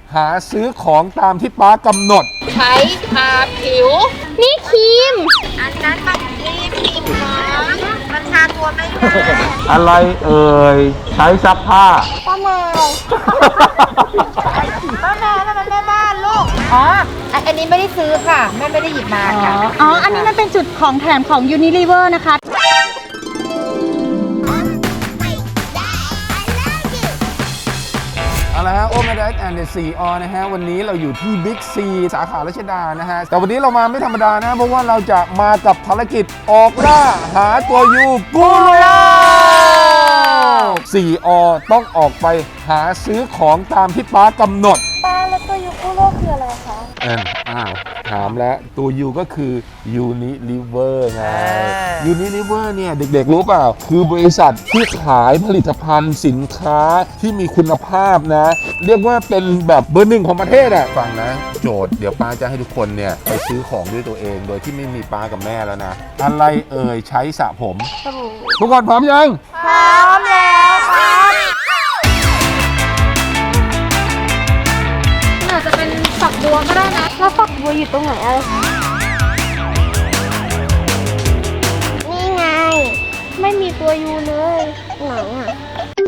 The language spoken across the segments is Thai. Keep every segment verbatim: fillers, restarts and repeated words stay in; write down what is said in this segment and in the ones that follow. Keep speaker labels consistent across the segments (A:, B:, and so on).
A: หาซื้อของตามที่ป้ากำหนด
B: ใช้ทาผิวนี่ครีมอันนั้นมันครีมครีมหอมมันทาตัวไม่ได้
A: อะไรเอ่ยใช้ซักผ้า
B: ป้าแมวป้าแมวนั่นมันแม่บ้านลูกอ๋ออันนี้ไม่ได้ซื้อค่ะแม่ไม่ได้หยิบมาค่ะ
C: อ๋ออันนี้มันเป็นจุดของแถมของ Unilever นะคะ
A: เอาละฮะโอเมดัสแอนด์ซีออนะฮะวันนี้เราอยู่ที่บิ๊กซีสาขารัชดานะฮะแต่วันนี้เรามาไม่ธรรมดานะเพราะว่าเราจะมากับภารกิจออกล่าหาตัวยูกูโร่ซีออต้องออกไปหาซื้อของตามที่ป้ากำหนด
B: ป้าแล้วตัวยูกูโร่คืออะไรคะ
A: เอออ้าวถามแล้วตัวยูก็คือ Unilever ไง Unilever เนี่ยเด็กๆรู้เปล่าคือบริษัทที่ขายผลิตภัณฑ์สินค้าที่มีคุณภาพนะเรียกว่าเป็นแบบเบอร์หนึ่งของประเทศอ่ะฟังนะโจทย์เดี๋ยวป้าจะให้ทุกคนเนี่ยไปซื้อของด้วยตัวเองโดยที่ไม่มีป้ากับแม่แล้วนะอะไรเอ่ยใช้สระผมทุกคนพร้อมยัง
B: พร้อมแล้วครับอาจจะเป็นฝักบัวก็ได้นะแล้วฝักบัวอยู่ตรงไหนอะไรนี่ไงไม่มีตัวยูเลยไหนอ่ะ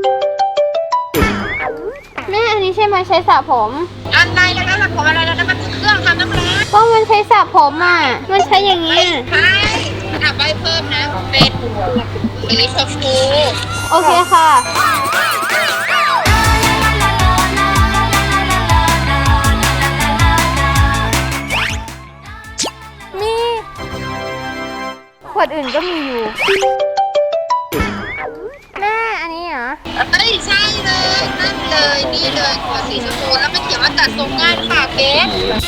B: แม่อันนี้ใช่ไหมใช้สระผมอันใดแล้วนะสระผมอะไรแล้วนะมันเครื่องทำน้ำร้อนก็มันใช้สระผมอ่ะมันใช้อย่างนี้ใช่อ่ะใบเพิ่มนะเป็นสีชมพูโอเคค่ะมีขวดอื่นก็มีอยู่แม่อันนี้เหรอเอ้ยใช่เลยนั่นเลยนี่เลยขวดสีชมพูแล้วมันเขียนว่าตัดทรงง่ายค่ะเบส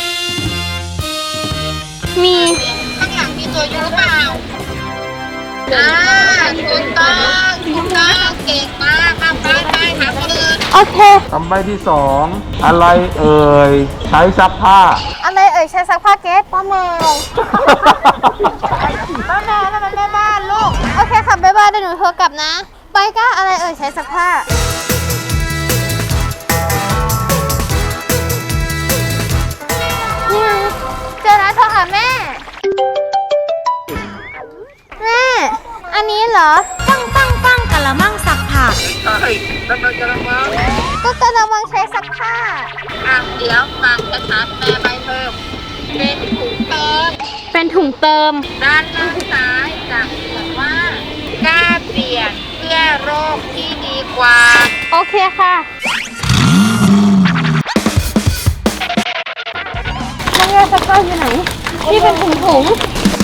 B: มีข้างหลังมีตัวยูเปล่าอ่าถูกต้องถูกต้องเก่งมากมาไปไปหาคนอื่นโอเค
A: คำใบ้ที่สองอะไรเอ่ยใช้ซักผ้า
B: อะไรเอ่ยใช้ซักผ้าเกสป้าแมวป้าแมวนั่นมันแม่บ้านลูกโอเคค่ะบ๊ายบายเดี๋ยวหนูโทรกลับนะไปก้าอะไรเอ่ยใช้ซักผ้านี่ไงเจอแล้วโทรหาแม่แม่อันนี้เหรอ
C: ปังปังปังกะละมังซักผ้า
A: ใช่นั่นมันกะละมัง
B: ก็กะละมังใช้ซักผ้าอ่ะเดี๋ยวฟังชัดๆแม่ใบเพิ่มเป็นถุงเติมเป็นถุงเติมด้านล่างซ้ายจะเขียนว่ากล้าเปลี่ยนเพื่อโรคที่ดีกว่าโอเคค่ะน้ำยาซักผ้าอยู่ไหนที่เป็นถุงถุง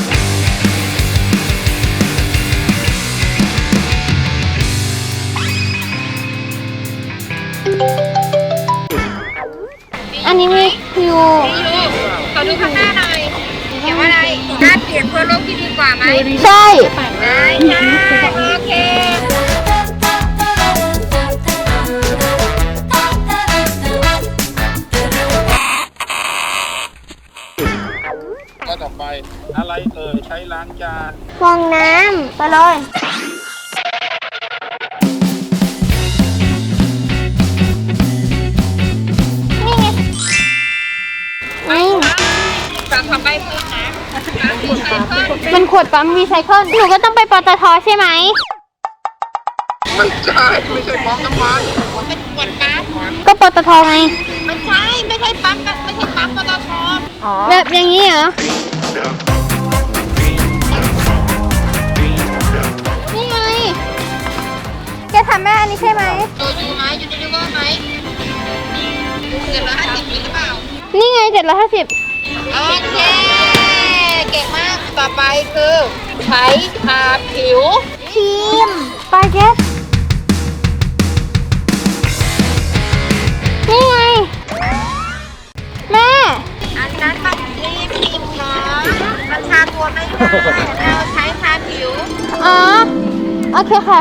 B: อันนี้มีอยู่ขอดูข้างหน้าหน่อยเขียนว่าอะไรกล้าเปลี่ยนเพื่อโลกที่ดีกว่าไหมใช่ได้ใช่โอเค
A: ก็ต่อไปอะไรเอ่ยใช้ล้างจาน
B: ฟองน้ำไปเลยเป็นขวดปั๊มรีไซเคิลหนูก็ต้องไปปตท.ใช่ไหม
A: ไม่ใช่ไม่ใช่ปั๊มน้ำมัน
B: เป็นขวดปั๊มก็ปตท.ไงไม่ใช่ไม่ใช่ปั๊มไม่ใช่ปั๊มปตท.แบบอย่างนี้เหรอนี่ไงแกถามแม่อันนี้ใช่ไหมตัวยูไหมยูนิลิเวอร์ไหมเจ็ดร้อยห้าสิบหรือเปล่านี่ไงเจ็ดร้อยห้าสิบโอเคเก่งมากต่อไปคือใช้ทาผิวครีมไปเกสนี่ไงแม่อันนั้นมันครีมครีมหอมมันทาตัวไม่ได้เราใช้ทาผิวอ๋อโอเคค่ะ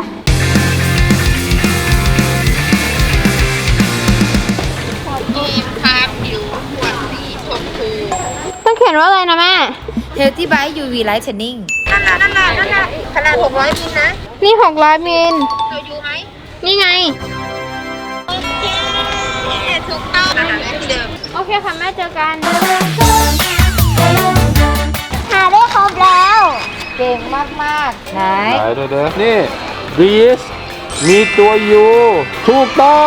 B: ครีมทาผิวขวดสีชมพูต้องเขียนว่าอะไรนะแม่
C: Healthy Bite ยู วี Lightening
B: นั่นแหละนั่นแหละนั่นแหละขนาดหกร้อยมิลนะนี่หกร้อยมิลตัวยูไหมนี่ไงโอเคถูกต้องอาหารที่เดิมเคค่ะแม่เจอกันหาได้ครบแล้ว
C: เก่งมากๆไหน
A: ไหนเด้อนี่บีสมีตัวยูถูกต้อง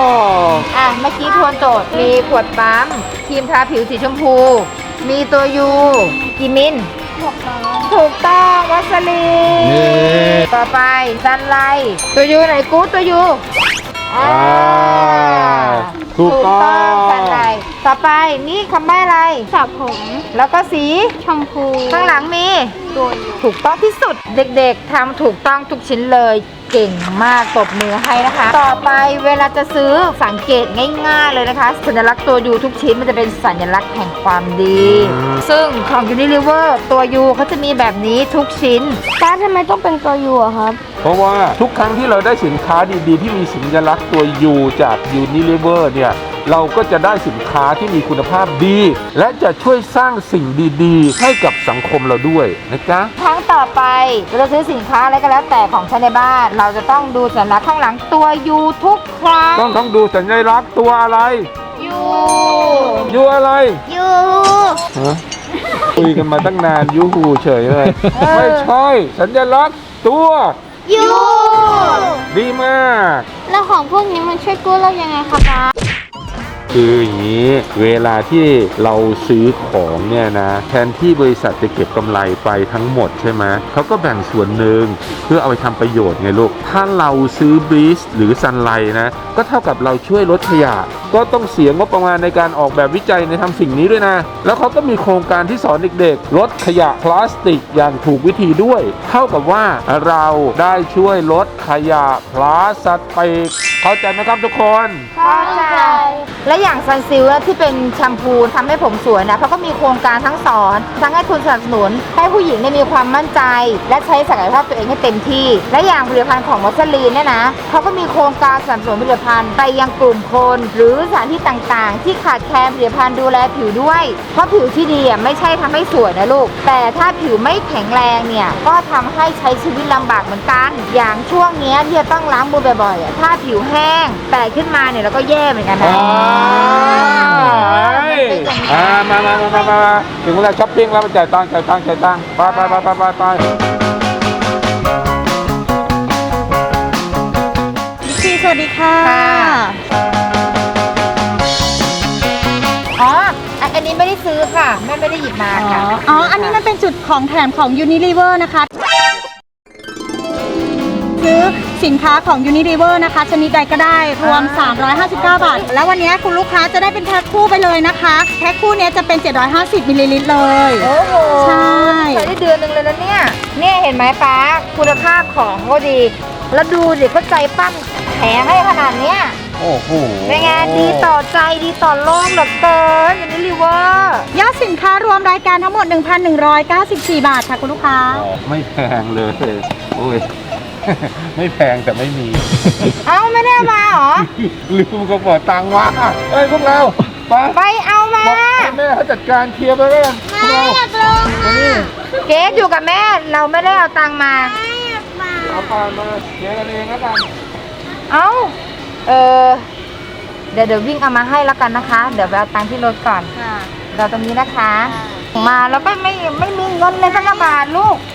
C: อ่ะเมื่อกี้ทวนโจทย์มีขวดปั๊มครีมทาผิวสีชมพู มีตัวยูกี่มิลถูกต้องวัสลี
A: นี่
C: ต่อไปซันไลท์ตัวยูไหนกู๊ดตัวยูอ่า
A: ถูกต้อง
C: ซันไลท์ต่อไปนี่คำใบ้อะไร
B: สระผม
C: แล้วก็สี
B: ชมพู
C: ข้างหลังมี
B: ตัวอยู่
C: ถูกต้องที่สุดเด็กๆทำถูกต้องทุกชิ้นเลยเก่งมากตบมือให้นะคะ ต่อไปเวลาจะซื้อสังเกตง่ายๆเลยนะคะ สัญลักษณ์ตัวยูทุกชิ้นมันจะเป็นสัญลักษณ์แห่งความดี ซึ่งของ Unilever ตัวยูเขาจะมีแบบนี้ทุกชิ้น
B: ป้าทำไมต้องเป็นตัวยูอะครับ
A: เพราะว่าทุกครั้งที่เราได้สินค้าดีๆ ที่มีสัญลักษณ์ตัว U จาก Unilever เนี่ยเราก็จะได้สินค้าที่มีคุณภาพดี และจะช่วยสร้างสิ่งดีๆ ให้กับสังคมเราด้วยนะจ๊ะ
C: ครั้งต่อไปเราซื้อสินค้าอะไรก็แล้วแต่ของใช้ในบ้าน เราจะต้องดูสัญลักษณ์ข้างหลังตัวยูทุกครั้ง
A: ต้องต้องดูสัญลักษณ์ตัวอะไร
C: ยู
A: ยูอะไร
B: ยู
A: ฮะคุยกันมาตั้งนานยูหูเฉยเลย ไม่ใช่สัญลักษณ์ตัว
B: ยู
A: ดีมาก
B: แล้วของพวกนี้มันช่วยกู้เรายังไงคะป้า
A: คืออย่างนี้เวลาที่เราซื้อของเนี่ยนะแทนที่บริษัทจะเก็บกำไรไปทั้งหมดใช่ไหมเขาก็แบ่งส่วนหนึ่งเพื่อเอาไปทำประโยชน์ไงลูกถ้าเราซื้อบรีสหรือซันไลท์นะก็เท่ากับเราช่วยลดขยะก็ต้องเสียงบประมาณในการออกแบบวิจัยในทำสิ่งนี้ด้วยนะแล้วเขาก็มีโครงการที่สอนเด็กๆลดขยะพลาสติกอย่างถูกวิธีด้วย เท่ากับว่าเราได้ช่วยลดขยะพลาสติกเข้าใจไหมครับทุกคน
C: เข้าใจและอย่างซันซิลที่เป็นแชมพูทำให้ผมสวยนะเขาก็มีโครงการทั้งสอน ทั้งให้ทุนสนับสนุน ให้ผู้หญิงได้มีความมั่นใจ และใช้ศักยภาพตัวเองให้เต็มที่ และอย่างผลิตภัณฑ์ของวัสลีนเนี่ยนะเขาก็มีโครงการสนับสนุนผลิตภัณฑ์ไปยังกลุ่มคน หรือสถานที่ต่างๆ ที่ขาดแคลนผลิตภัณฑ์ดูแลผิวด้วย เพราะผิวที่ดีอ่ะไม่ใช่ทำให้สวยนะลูกแต่ถ้าผิวไม่แข็งแรงเนี่ยก็ทำให้ใช้ชีวิตลำบากเหมือนกัน อย่างช่วงเนี้ยที่จะต้องล้างมือบ่อยๆอ่ะถ้าผิวแห้งแตกขึ้นมาเนี่ยเราก็แย่เหมือนกันนะ
A: อ่ามามามามามาถึงเวลาช้อปปิ้งแล้วมาจ่ายตังค์จ่ายตังค์จ่ายตังค์ไปไปไปไปไปไป
C: พี่สวัสดีค่ะอ๋ออันนี้ไม่ได้ซื้อค่ะแม่ไม่ได้หยิบมาค่ะ
D: อ๋อ อันนี้มันเป็นจุดของแถมของ Unilever นะคะ ซื้อสินค้าของ Unilever นะคะ ชนิดใดก็ได้รวม สามร้อยห้าสิบเก้า บาท แล้ววันนี้คุณลูกค้าจะได้เป็นแพ็คคู่ไปเลยนะคะ แพ็คคู่เนี้ยจะเป็น เจ็ดร้อยห้าสิบ มิลลิลิตรเลย
C: โอ้โห
D: ใช่
C: ใช้ได้เดือนหนึ่งเลยนะเนี่ย เนี่ยเห็นไหมป้าคุณภาพของก็ดี แล้วดูดิเขาใจปั้มแถมให้ขนาดเนี้ย
A: โอ้โห
C: เป็นไงดีต่อใจดีต่อโลกเหลือเกินอย่างนี้ลิเวอร์
D: ยอดสินค้ารวมรายการทั้งหมด หนึ่งพันหนึ่งร้อยเก้าสิบสี่ บาทค่ะคุณลูกค้า
A: อ๋อไม่แพงเลยโอ้ย ไม่แพงแต่ไม่มี
C: เอ้าไม่ได้เอามาเหรอ
A: ลืมกระเป๋าตังค์วะเอ้ยพวกเราไป
C: ไปเอามา
A: บอกให้แม่เขาจัดการเคลียร์ไปแล้วกันพวกเรามานี่
C: เกสอยู่กับแม่เราไม่ได้เอาตังค์มา
A: เอาผ่านมาเคลียร์กันเองแล้วกัน
C: เอ้า เออเดี๋ยวเดี๋ยววิ่งเอามาให้แล้วกันนะคะ เดี๋ยวไปเอาตังค์ที่รถก่อนเราตรงนี้นะคะ มาแล้วก็ไม่ไม่มีเงินเลยสักบาทลูก